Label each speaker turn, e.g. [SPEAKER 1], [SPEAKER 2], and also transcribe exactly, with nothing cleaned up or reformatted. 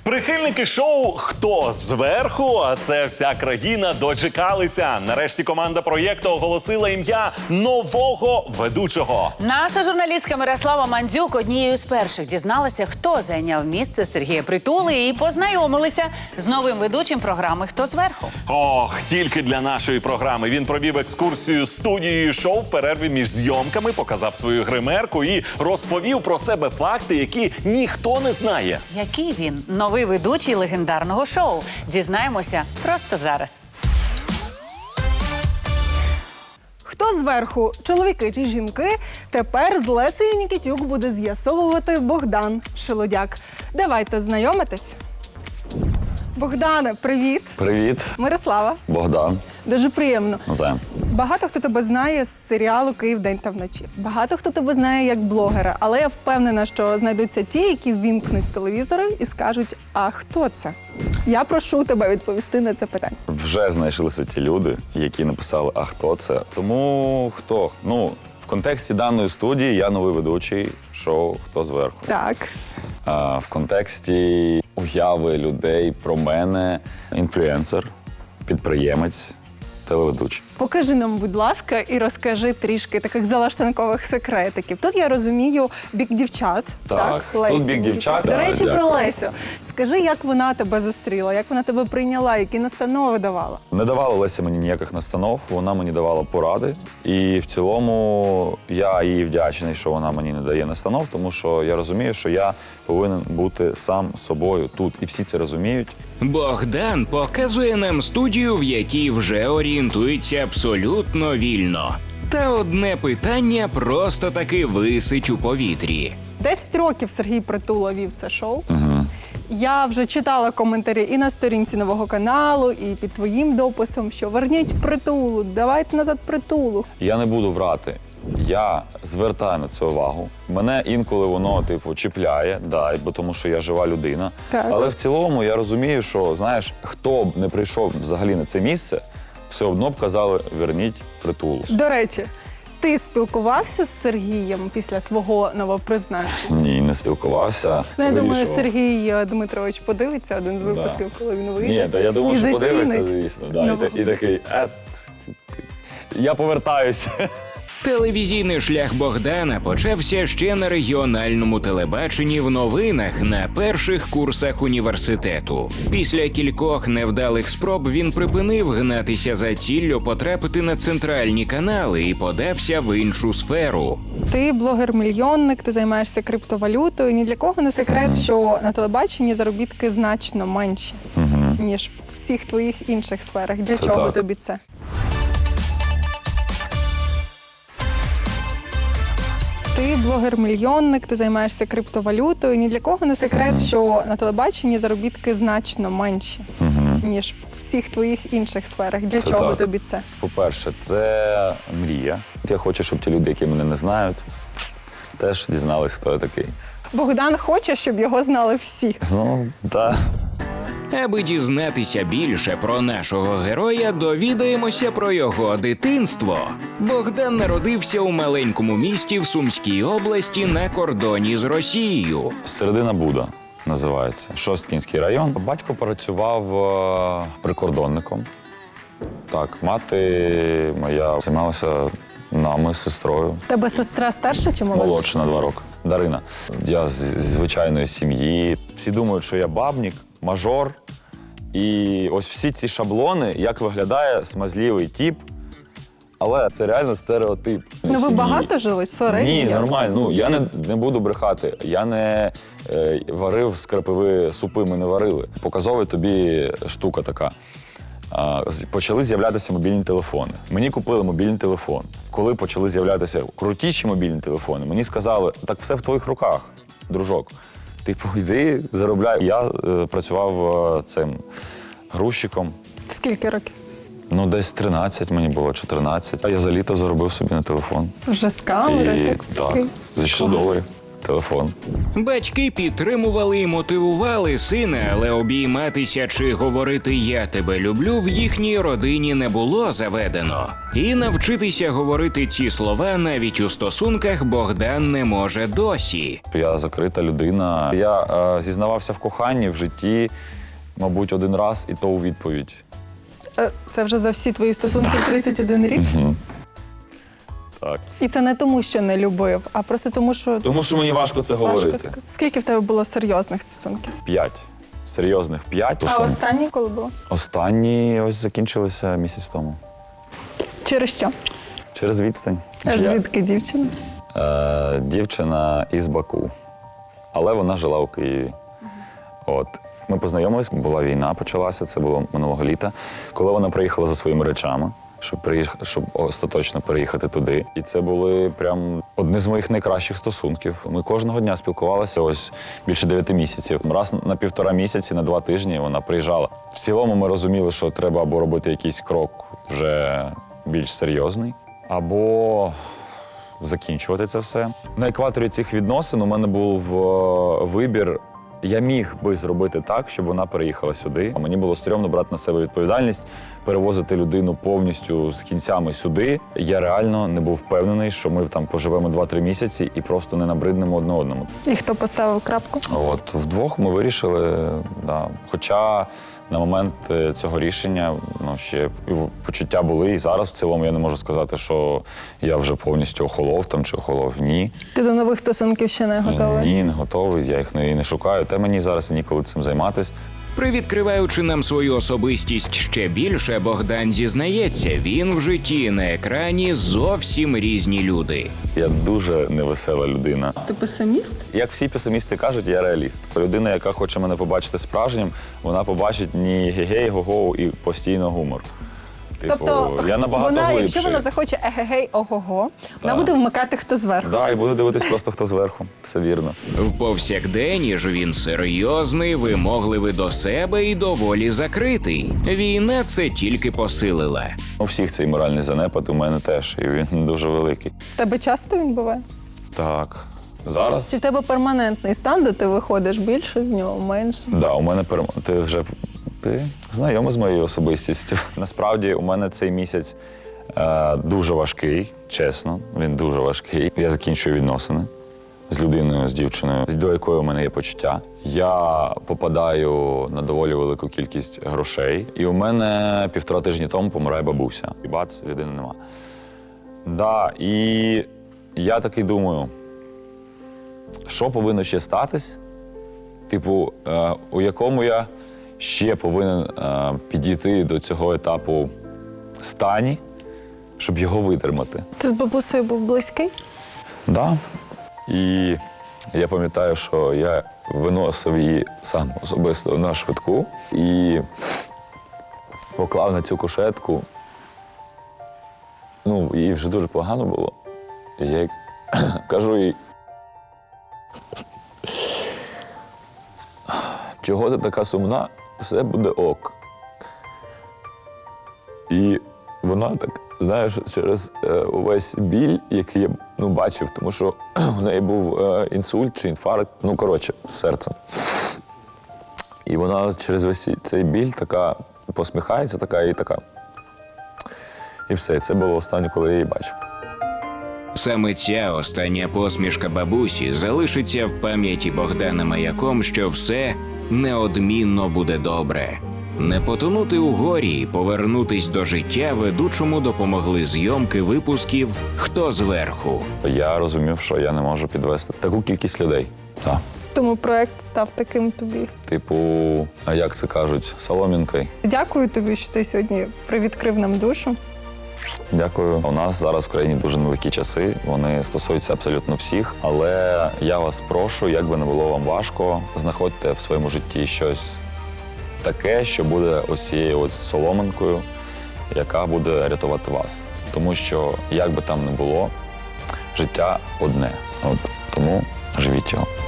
[SPEAKER 1] Прихильники шоу «Хто зверху?», а це вся країна, дочекалися. Нарешті команда проєкту оголосила ім'я нового ведучого.
[SPEAKER 2] Наша журналістка Мирослава Мандзюк однією з перших дізналася, хто зайняв місце Сергія Притули, і познайомилися з новим ведучим програми «Хто зверху?».
[SPEAKER 1] Ох, тільки для нашої програми. Він провів екскурсію студією шоу в перерві між зйомками, показав свою гримерку і розповів про себе факти, які ніхто не знає.
[SPEAKER 2] Який він? Новий ведучий легендарного шоу. Дізнаємося просто зараз.
[SPEAKER 3] Хто зверху, чоловіки чи жінки, тепер з Лесею Нікітюк буде з'ясовувати Богдан Шелудяк. Давайте знайомитись. Богдане, привіт.
[SPEAKER 4] Привіт.
[SPEAKER 3] Мирослава.
[SPEAKER 4] Богдан.
[SPEAKER 3] Дуже приємно.
[SPEAKER 4] Навзаєм.
[SPEAKER 3] Багато хто тебе знає з серіалу «Київ день та вночі». Багато хто тебе знає як блогера, але я впевнена, що знайдуться ті, які ввімкнуть телевізори і скажуть, а хто це? Я прошу тебе відповісти на це питання.
[SPEAKER 4] Вже знайшлися ті люди, які написали, а хто це? Тому хто? Ну, в контексті даної студії я новий ведучий шоу «Хто зверху?».
[SPEAKER 3] Так.
[SPEAKER 4] А в контексті уяви людей про мене інфлюенсер, підприємець, телеведучий.
[SPEAKER 3] Покажи нам, будь ласка, і розкажи трішки таких залаштанкових секретиків. Тут я розумію бік дівчат.
[SPEAKER 4] Так, тут
[SPEAKER 3] Лесі
[SPEAKER 4] бік
[SPEAKER 3] Нікітюк.
[SPEAKER 4] дівчат,
[SPEAKER 3] До
[SPEAKER 4] так,
[SPEAKER 3] речі,
[SPEAKER 4] дякую.
[SPEAKER 3] про Лесю. Скажи, як вона тебе зустріла, як вона тебе прийняла, які настанови давала?
[SPEAKER 4] Не давала Леся мені ніяких настанов, вона мені давала поради. І в цілому я їй вдячний, що вона мені не дає настанов, тому що я розумію, що я повинен бути сам собою тут. І всі це розуміють.
[SPEAKER 5] Богдан показує нам студію, в якій вже орієнтується абсолютно вільно. Та одне питання просто таки висить у повітрі.
[SPEAKER 3] Десять років Сергій Притула вів це шоу.
[SPEAKER 4] Угу.
[SPEAKER 3] Я вже читала коментарі і на сторінці нового каналу, і під твоїм дописом, що верніть Притулу, давайте назад Притулу.
[SPEAKER 4] Я не буду врати. Я звертаю на це увагу. Мене інколи воно, типу, чіпляє, да, бо тому що я жива людина.
[SPEAKER 3] Так.
[SPEAKER 4] Але в цілому я розумію, що, знаєш, хто б не прийшов взагалі на це місце, все одно б казали, верніть Притулу.
[SPEAKER 3] До речі, ти спілкувався з Сергієм після твого новопризначення?
[SPEAKER 4] Ні, не спілкувався.
[SPEAKER 3] Ну, я думаю,
[SPEAKER 4] Вирішував.
[SPEAKER 3] Sергій Дмитрович подивиться один з випусків,
[SPEAKER 4] Да.
[SPEAKER 3] коли він вийде.
[SPEAKER 4] Ні, та я думав,
[SPEAKER 3] і
[SPEAKER 4] що подивиться,
[SPEAKER 3] зацінить.
[SPEAKER 4] звісно. Да,
[SPEAKER 3] Ну,
[SPEAKER 4] і, та- і такий, е, я повертаюся.
[SPEAKER 5] Телевізійний шлях Богдана почався ще на регіональному телебаченні в новинах на перших курсах університету. Після кількох невдалих спроб він припинив гнатися за ціллю потрапити на центральні канали і подався в іншу сферу.
[SPEAKER 3] Ти блогер-мільйонник, ти займаєшся криптовалютою. Ні для кого не секрет, що на телебаченні заробітки значно менші, ніж в всіх твоїх інших сферах. Для
[SPEAKER 4] Це
[SPEAKER 3] чого
[SPEAKER 4] так.
[SPEAKER 3] тобі це? Ти блогер-мільйонник, ти займаєшся криптовалютою. Ні для кого не секрет, що на телебаченні заробітки значно менші, ніж в всіх твоїх інших сферах. Для
[SPEAKER 4] Це
[SPEAKER 3] чого
[SPEAKER 4] так.
[SPEAKER 3] тобі це?
[SPEAKER 4] По-перше, це мрія. Я хочу, щоб ті люди, які мене не знають, теж дізнались, хто я такий.
[SPEAKER 3] Богдан хоче, щоб його знали всі.
[SPEAKER 4] Ну, так.
[SPEAKER 5] Аби дізнатися більше про нашого героя, довідаємося про його дитинство. Богдан народився у маленькому місті в Сумській області на кордоні з Росією.
[SPEAKER 4] Середина Буда називається. Шосткінський район. Батько працював е, прикордонником. Так, мати моя займалася нами з сестрою.
[SPEAKER 3] Тебе сестра старша чи молодша?
[SPEAKER 4] Молодша на два роки. Дарина. Я з, зі звичайної сім'ї. Всі думають, що я бабнік, мажор. І ось всі ці шаблони, як виглядає смазливий тіп. Але це реально стереотип.
[SPEAKER 3] Ну ви
[SPEAKER 4] Сім'ї.
[SPEAKER 3] багато жили? Сорені?
[SPEAKER 4] Ні, нормально. Ну, я не, не буду брехати. Я не е, варив з крапиви супи, ми не варили. Показова тобі штука така. А, з- почали з'являтися мобільні телефони. Мені купили мобільний телефон. Коли почали з'являтися крутіші мобільні телефони, мені сказали, так все в твоїх руках, дружок. Типу, йди, заробляй. Я е, працював е, цим грузчиком.
[SPEAKER 3] В скільки років?
[SPEAKER 4] Ну, десь тринадцять мені було, чотирнадцять. А я за літо заробив собі на телефон.
[SPEAKER 3] Вже з камери?
[SPEAKER 4] І,
[SPEAKER 3] так,
[SPEAKER 4] так,
[SPEAKER 3] такий.
[SPEAKER 4] за шістсот
[SPEAKER 3] Клас.
[SPEAKER 4] доларів. телефон.
[SPEAKER 5] Батьки підтримували і мотивували сина, але обійматися чи говорити «я тебе люблю» в їхній родині не було заведено. І навчитися говорити ці слова навіть у стосунках Богдан не може досі.
[SPEAKER 4] Я закрита людина. Я е, зізнавався в коханні в житті, мабуть, один раз, і то у відповідь.
[SPEAKER 3] Е, Це вже за всі твої стосунки тридцять один рік?
[SPEAKER 4] Так.
[SPEAKER 3] І це не тому, що не любив, а просто тому, що
[SPEAKER 4] Тому що мені важко це
[SPEAKER 3] важко
[SPEAKER 4] говорити.
[SPEAKER 3] сказати. Скільки в тебе було серйозних стосунків?
[SPEAKER 4] П'ять. Серйозних п'ять.
[SPEAKER 3] А останні коли було?
[SPEAKER 4] Останні ось закінчилися місяць тому.
[SPEAKER 3] Через що?
[SPEAKER 4] Через відстань.
[SPEAKER 3] А
[SPEAKER 4] Я-
[SPEAKER 3] звідки дівчина?
[SPEAKER 4] Е, дівчина із Баку, але вона жила у Києві. От. Ми познайомились, була війна, почалася, це було минулого літа, коли вона приїхала за своїми речами, щоб, приїх... щоб остаточно переїхати туди. І це були прям одні з моїх найкращих стосунків. Ми кожного дня спілкувалися ось більше дев'яти місяців. Раз на півтора місяці, на два тижні вона приїжджала. В цілому ми розуміли, що треба або робити якийсь крок вже більш серйозний, або закінчувати це все. На екваторі цих відносин у мене був е, вибір. Я міг би зробити так, щоб вона переїхала сюди. А мені було стрьомно брати на себе відповідальність, перевозити людину повністю з кінцями сюди. Я реально не був впевнений, що ми там поживемо два-три місяці і просто не набриднемо одне одному.
[SPEAKER 3] І хто поставив крапку?
[SPEAKER 4] От вдвох ми вирішили, да. Хоча на момент е, цього рішення ну, ще і в- почуття були, і зараз в цілому я не можу сказати, що я вже повністю охолов там чи охолов. Ні.
[SPEAKER 3] Ти до нових стосунків ще не готовий?
[SPEAKER 4] Ні, не готовий, я їх не, не шукаю. Та мені зараз і ніколи цим займатися.
[SPEAKER 5] Привідкриваючи нам свою особистість ще більше, Богдан зізнається, він в житті на екрані зовсім різні люди.
[SPEAKER 4] Я дуже невесела людина.
[SPEAKER 3] Ти песиміст?
[SPEAKER 4] Як всі песимісти кажуть, я реаліст. Людина, яка хоче мене побачити справжнім, вона побачить ні гей-гей, го-го і постійно гумор. Типу,
[SPEAKER 3] Тобто,
[SPEAKER 4] я набагато
[SPEAKER 3] вона,
[SPEAKER 4] глибший.
[SPEAKER 3] якщо вона захоче егегей, ого-го, вона
[SPEAKER 4] Так.
[SPEAKER 3] буде вмикати хто зверху.
[SPEAKER 4] Да, і буду дивитись просто хто зверху. Все вірно.
[SPEAKER 5] В повсякденні ж він серйозний, вимогливий до себе і доволі закритий. Війна це тільки посилила.
[SPEAKER 4] У всіх цей моральний занепад у мене теж, і він дуже великий.
[SPEAKER 3] В тебе часто він буває?
[SPEAKER 4] Так. Зараз?
[SPEAKER 3] Чи в тебе перманентний стан, де ти виходиш більше з нього, менше?
[SPEAKER 4] Да, у мене перем... Ти вже ти знайомий з моєю особистістю. Насправді, у мене цей місяць е, дуже важкий, чесно. Він дуже важкий. Я закінчую відносини з людиною, з дівчиною, до якої у мене є почуття. Я попадаю на доволі велику кількість грошей. І у мене півтора тижні тому помирає бабуся. І бац, людини нема. Да, і я такий думаю, що повинно ще статись? Типу, е, у якому я ще повинен е, підійти до цього етапу стані, щоб його витримати.
[SPEAKER 3] Ти з бабусею був близький?
[SPEAKER 4] Да. І я пам'ятаю, що я виносив її сам особисто на швидку і поклав на цю кушетку. Ну, їй вже дуже погано було. І я їй кажу їй, чого ти така сумна, все буде ок. І вона так, знаєш, через е, увесь біль, який я ну, бачив, тому що в неї був е, інсульт чи інфаркт, ну, коротше, з серцем. І вона через весь цей біль така посміхається, така і така. І все, це було останнє, коли я її бачив.
[SPEAKER 5] Саме ця остання посмішка бабусі залишиться в пам'яті Богдана маяком, що все неодмінно буде добре. Не потонути у горі і повернутись до життя ведучому допомогли зйомки випусків «Хто зверху».
[SPEAKER 4] Я розумів, що я не можу підвести таку кількість людей. Так.
[SPEAKER 3] Тому проект став таким тобі.
[SPEAKER 4] Типу, а як це кажуть, соломінкою.
[SPEAKER 3] Дякую тобі, що ти сьогодні привідкрив нам душу.
[SPEAKER 4] Дякую. У нас зараз в країні дуже нелегкі часи. Вони стосуються абсолютно всіх. Але я вас прошу, як би не було вам важко, знаходьте в своєму житті щось таке, що буде ось цією ось соломинкою, яка буде рятувати вас. Тому що, як би там не було, життя одне. От тому живіть його.